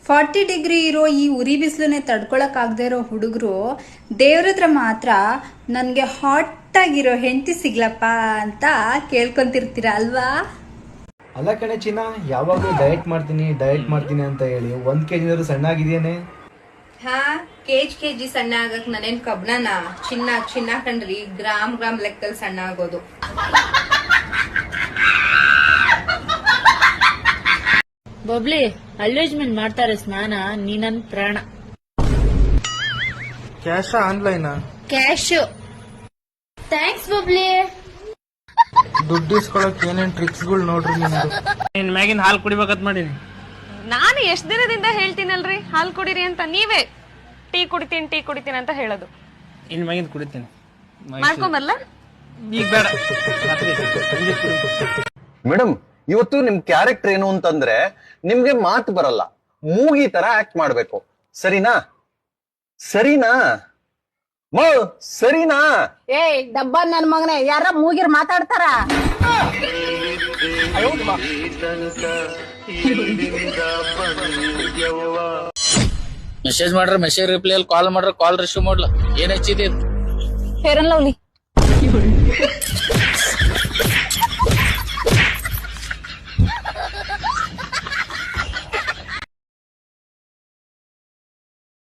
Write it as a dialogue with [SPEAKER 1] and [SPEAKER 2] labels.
[SPEAKER 1] 40 degree ಇರೋ ಈ ಉರಿ ಬಿಸಿಲನ್ನೇ ತಡ್ಕೊಳಕ್ಕಾಗದೇ ಇರೋ ಹುಡುಗರು ದೇವ್ರ ಹತ್ರ ಮಾತ್ರ ನನಗೆ ಹಾಟ್ ಆಗಿರೋ ಹೆಂಡತಿ ಸಿಗ್ಲಪ್ಪ ಅಂತ ಕೇಳ್ಕೊಂತಿರ್ತೀರ ಅಲ್ವಾ?
[SPEAKER 2] ಅಲ್ಲ ಕಣೆ ಚಿನ್ನ, ಯಾವಾಗಲೂ ಡಯಟ್ ಮಾಡ್ತೀನಿ ಅಂತ ಹೇಳಿ 1 kg ಸಣ್ಣ ಆಗಿದೆಯೇನೆ?
[SPEAKER 3] ಹಾ, ಕೆಜಿ ಸಣ್ಣ ಆಗಕ್ ನಾನೇನ್ ಕಬ್ಣನ? ಚಿನ್ನ ಕಣ್ರಿ, ಗ್ರಾಮ್ ಲೆಕ್ಕದಲ್ಲಿ ಸಣ್ಣ ಆಗೋದು.
[SPEAKER 4] ಬಬ್ಲಿ, ಅಲ್ಲೇಜ್ಮೆಂಟ್ ಮಾಡ್ತಾರೆ ಸ್ನಾನ, ನೀ ನನ್ ಪ್ರಾಣ.
[SPEAKER 2] ಕ್ಯಾಶ ಆನ್ಲೈನಾ?
[SPEAKER 4] ಕ್ಯಾಶ್. ಥ್ಯಾಂಕ್ಸ್ ಬಬ್ಲಿ.
[SPEAKER 2] ದುಡ್ಡು ಇಸ್ಕೊಳಕ್ ಏನೇನ್ ಟ್ರಿಕ್ಸ್ಗಳು ನೋಡ್ರಿ ನಿಮ್ದು.
[SPEAKER 5] ನಿನ್ ಮ್ಯಾಗಿನ ಹಾಲು ಕುಡಿಬೇಕಂತ ಮಾಡೀನಿ.
[SPEAKER 6] ನಾನು ಎಷ್ಟ್ ದಿನದಿಂದ ಹೇಳ್ತೀನಲ್ರಿ ಹಾಲ್ ಕುಡೀರಿ ಅಂತ, ನೀವೇ ಟೀ ಕುಡಿತೀನಿ ಅಂತ ಹೇಳೋದು.
[SPEAKER 5] ಇನ್ ಮ್ಯಾಗಿನ ಕುಡಿತೀನಿ.
[SPEAKER 6] ಮಾಡ್ಕೊಂಬರ್ಲ?
[SPEAKER 5] ಈಗ ಬೇಡ, ರಾತ್ರಿ ಸಂಜೆ ಕುಡಿತೀನಿ.
[SPEAKER 7] ಮೇಡಮ್, ಇವತ್ತು ನಿಮ್ ಕ್ಯಾರೆಕ್ಟರ್ ಏನು ಅಂತಂದ್ರೆ ನಿಮ್ಗೆ ಮಾತು ಬರಲ್ಲ, ಮೂಗಿ ತರ ಆಕ್ಟ್ ಮಾಡ್ಬೇಕು. ಸರಿನಾ? ಸರಿನಾ ಸರಿನಾ?
[SPEAKER 8] ಏಯ್ ಡಬ್ಬ ನನ್ ಮಗನೇ, ಯಾರ ಮೂಗಿರ್ ಮಾತಾಡ್ತಾರ?
[SPEAKER 9] ಮೆಸೇಜ್ ಮಾಡ್ರ ಮೆಸೇಜ್ ರಿಪ್ಲೈ ಅಲ್ಲಿ, ಕಾಲ್ ಮಾಡ್ರ ಕಾಲ್ ರಿಸೀವ್ ಮಾಡ್ಲ. ಏನ್ ಹಚ್ಚಿದೆ?
[SPEAKER 8] Fair and lovely.